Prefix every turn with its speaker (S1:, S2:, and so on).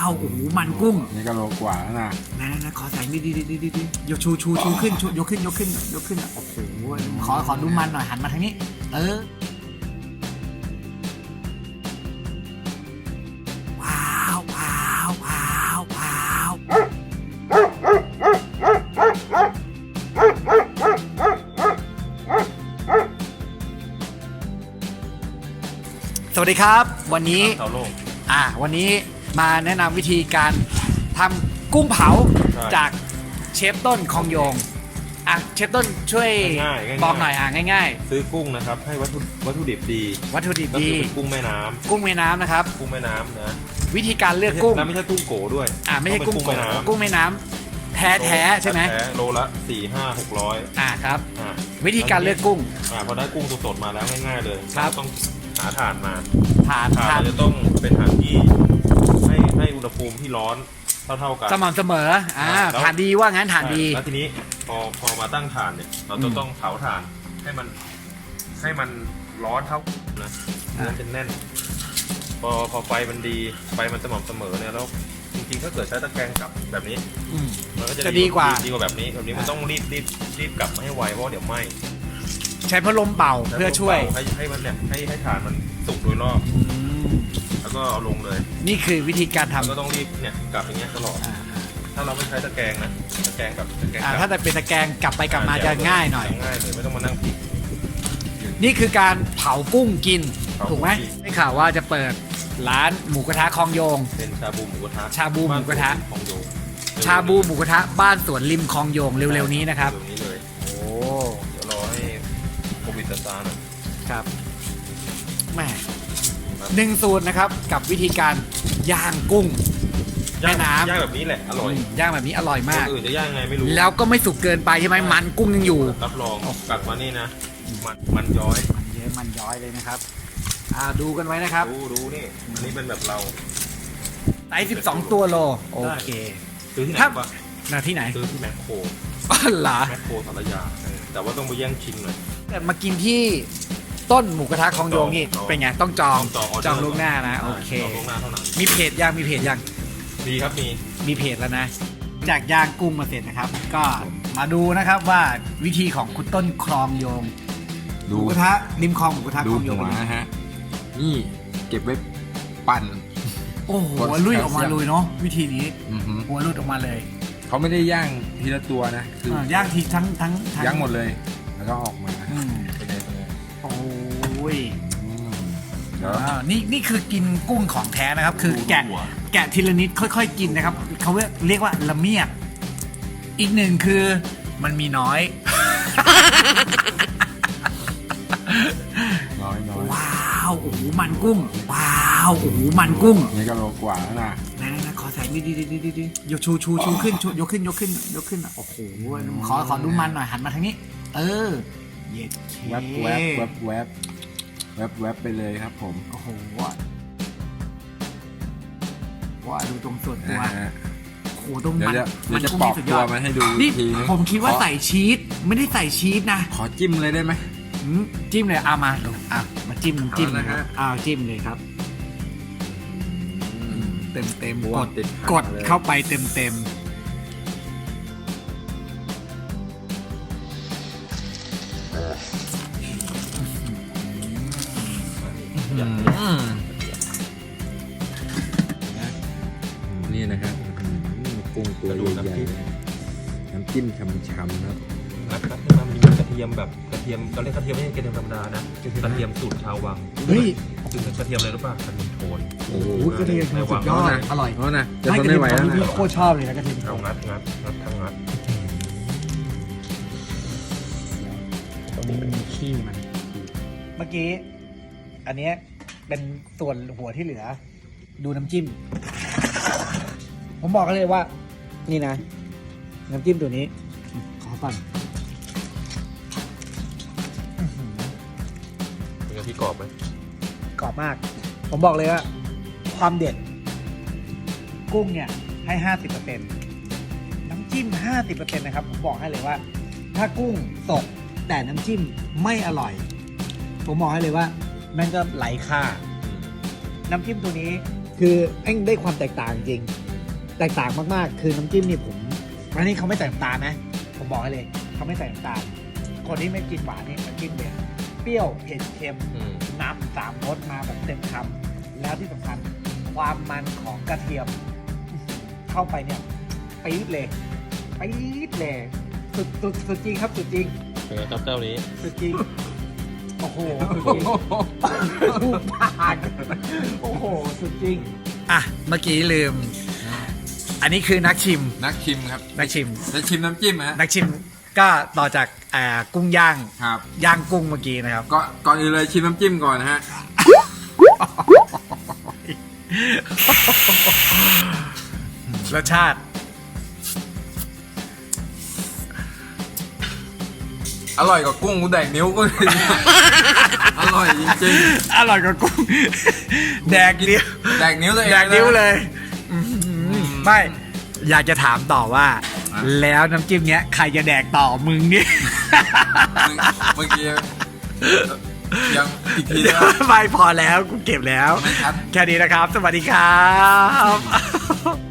S1: าวโอ้โหมันกุ้ง
S2: นี่ก็โลกว่าแล้วนะ
S1: นะขอใส่ดิยกชูขึ้นยกขึ้นโอ้โหขอดูมันหน่อยหันมาทางนี้ว้าวสวัสดีครับวันนี้วันนี้มาแนะนำวิธีการทำกุ้งเผาจากเชฟต้นคองโยงเชฟต้นช่วยบอกหน่อยง่าย
S3: ซื้อกุ้งนะครับให้วัตถุดิบดี
S1: ก็คือเป็น
S3: กุ้งแม่น้
S1: ำนะครับ
S3: กุ้งแม่น้ำนะ
S1: วิธีการเลือกกุ้ง
S3: ไม่ใช่กุ้งโกด้วย
S1: ไม่ใช่กุ้งโกกุ้งแม่น้ำแท้ใช่ไหม
S3: โลละ4-5-600
S1: ครับวิธีการเลือกกุ้ง
S3: พอได้กุ้งสดๆมาแล้วง่ายๆเลยต้องหาถ่านมา
S1: ถ่าน
S3: จะต้องเป็นถ่านที่ให้อุณหภูมิที่ร้อนเท่ากัน
S1: สม่ำเสมอถ่านดีว่างั้นถ่านดี
S3: แล้วทีนี้พอมาตั้งถ่านเนี่ยเราจะต้องเผาถ่านให้มันร้อนเท่านะมันจะแน่นพอไฟมันดีไฟมันสม่ำเสมอเนี่ยแล้วจริงๆถ้าเกิดใช้ตะแกรงกลับแบบนี้มันก็จะ
S1: ดีกว่า
S3: แบบนี้มันต้องรีบกลับมาให้ไวเพราะเดี๋ยวไหม้
S1: ใช้พัดลมเป่าเพื่อช่วย
S3: ให้มันเนี่ยให้ถ่านมันสุกโดยรอบแล้วก็เอาลงเลย
S1: นี่คือวิธีการทำ
S3: ก็ต้องรีบเนี่ยกลับอย่างเงี้ยตลอดถ้าเราไม่ใช้ตะแกรงนะตะแกรงกับ
S1: ถ้าแต่เป็นตะแกรงกลับไปกลับมาจะง่ายหน่อย
S3: ไม่ต้องมานั่งพลิก
S1: นี่คือการเผากุ้งกินถูกไหมได้ข่าวว่าจะเปิดร้านหมูกระทะคองโยง
S3: เป็นชาบูหมูกระทะ
S1: ชาบูหมูกระทะบ้านสวนริมคลองโยงเร็วๆนี้นะครับ
S3: เร็วนี้เลยโอ้เดี๋ยวรอให้โควิดซาหน่อย
S1: ครับแม่1 สูตรนะครับกับวิธีการย่างกุ้งแม่น้ำ
S3: ย่างแบบนี้แหละอร่อย
S1: ย่างแบบนี้อร่อยมาก
S3: อื่นจะย่างไงไม่รู้
S1: แล้วก็ไม่สุกเกินไปใช่ไหมมันกุ้งยังอยู่
S3: รับรองกลับมานี่นะมันย้อย
S1: เลยนะครับดูกันไว้นะครับ
S3: ดูนี่อันนี้เป็นแบบเรา
S1: ไซส์12 ตัวโลโอเค
S3: ซื้อที่ไหนปะ
S1: ที่ไหน
S3: ซื้อที่แมคโคร
S1: เหรอ
S3: แมคโครสารยาแต่ว่าต้องไปแย่งชิมหน่อย
S1: แต่มากินที่ต้นหมูกระทะคองโยงนี่เป็นไงต้องจองล่วงหน้านะโอเคมีเพจยังมีครับมีเพจแล้วนะจากย่างกุ้งมาเสร็จนะครับก็มาดูนะครับว่าวิธีของคุณต้นคลองโยงหมูกระทะริมคลองหมูกระทะคลองโยง
S2: นะฮะนี่เก็บไว้ปั่น
S1: โอ้โหลุยออกมาเลยเนาะวิธีนี้หัวลุดออกมาเลย
S2: เขาไม่ได้ย่างทีละตัวนะคื
S1: อย่างทีทั้ง
S2: ย่างหมดเลยแล้วก็ออกมา
S1: โอ้ยนี่คือกินกุ้งของแท้นะครับคือแกะทีละนิดค่อยๆกินนะครับเขาเรียกว่าละเมียดอีกหนึ่งคือมันมีน้อยว้าวโอ้โหมันกุ้งว้าวโอ้โหมันกุ้ง
S2: นี่ก็โลกว่าแล้วนะ
S1: ขอใส่ดิยกชูขึ้นยกขึ้นโอ้โหขอดูมันหน่อยหันมาทางนี้เย็ด
S2: แวบไปเลยครับผม
S1: โอ้โหว่าดูตรงส่วนตัวโอ้โหตรง
S2: มันจะปอกตัวมันให้ดู
S1: นี่ผมคิดว่าใส่ชีสไม่ได้ใส่ชีสนะ
S2: ขอจิ้มเลยได้ไหม
S1: จิ้มเลยมาจิ้มน้ำจิ้มนะครับจิ้มเลยครับเต็มกดเข้าไปเต็ม
S2: นี่นะครับกุ้งตัวใหญ่ๆน้ำจิ้มช่ำๆครับ
S3: มันมีกระเทียมแบบกระเทียมเราเรียกกระเทียมไม่ใช่กระเทียมธรรมดานะกระเทียมสูตรชาววังคือกระเทียมอะไรรู้ป่ะกระเทียมโทน
S1: โอ้โหกระเทียมสุดยอดอร่อย
S2: นะจะทนไม่ไหวแล้วนะ
S1: พี่โคตรชอบเลยนะกระเทียม
S3: เอางัด
S1: ตรงนี้มันมีขี้มันเมื่อกี้อันนี้เป็นส่วนหัวที่เหลือดูน้ำจิ้มผมบอกกันเลยว่านี่นะน้ำจิ้มตัวนี้ขอปั่น
S3: เป็นกะทิกรอบไหม
S1: กรอบมากผมบอกเลยว่าความเด็ดกุ้งเนี่ยให้ 50% น้ำจิ้ม 50% นะครับผมบอกให้เลยว่าถ้ากุ้งสดแต่น้ำจิ้มไม่อร่อยผมบอกให้เลยว่ามันก็ไหลค่าน้ำจิ้มตัวนี้คือแม่งได้ความแตกต่างจริงแตกต่างมากๆคือน้ำจิ้มนี่ผมอันนี้เขาไม่ใส่น้ำตาลนะผมบอกให้เลยเขาไม่ใส่น้ำตาลคนที่ไม่กินหวานนี่น้ำจิ้มเลยเปรี้ยวเผ็ดเค็มนำ3 รสมาแบบเต็มคำแล้วที่สำคัญความมันของกระเทียมเข้าไปเนี่ยปี๊ดเลยสุดจริงครับสุดจริง
S3: เป็นไงครับเจ้านี้
S1: สุดจริงโอ้โหสุดจริงผ่านโอ้โหสุดจริงอ่ะเมื่อกี้ลืม อันนี้คือนักชิม
S2: นักชิมครับ
S1: นักชิม
S2: จะชิมน้ำจิ้มฮะ
S1: นักชิมก็ต่อจากกุ้งย่าง
S2: ครับ
S1: ย่างกุ้งเมื่อกี้นะครับ
S2: ก่อนอื่นเลยชิมน้ำจิ้มก่อนนะฮะ
S1: รสชาติ
S2: อร่อยกว่ากุ้งกูแดกนิ้วก็ อร่อยจริง
S1: อร่อยกว่ากุ้ง แดกนิ้ว
S2: ๆแดกนิ้วตัวเอง
S1: แดกนิ้วเลยไม่อยากจะถามต่อว่า แล้วน้ำจิ้มเนี้ยใครจะแดกต่อมึงเนี่ย
S2: เมื่อกี้ยังอีกทีนะ
S1: ไม่พอแล้วกูเก็บแล้ว
S2: ไม่ครับ
S1: แค่นี้นะครับ สวัสดีครับ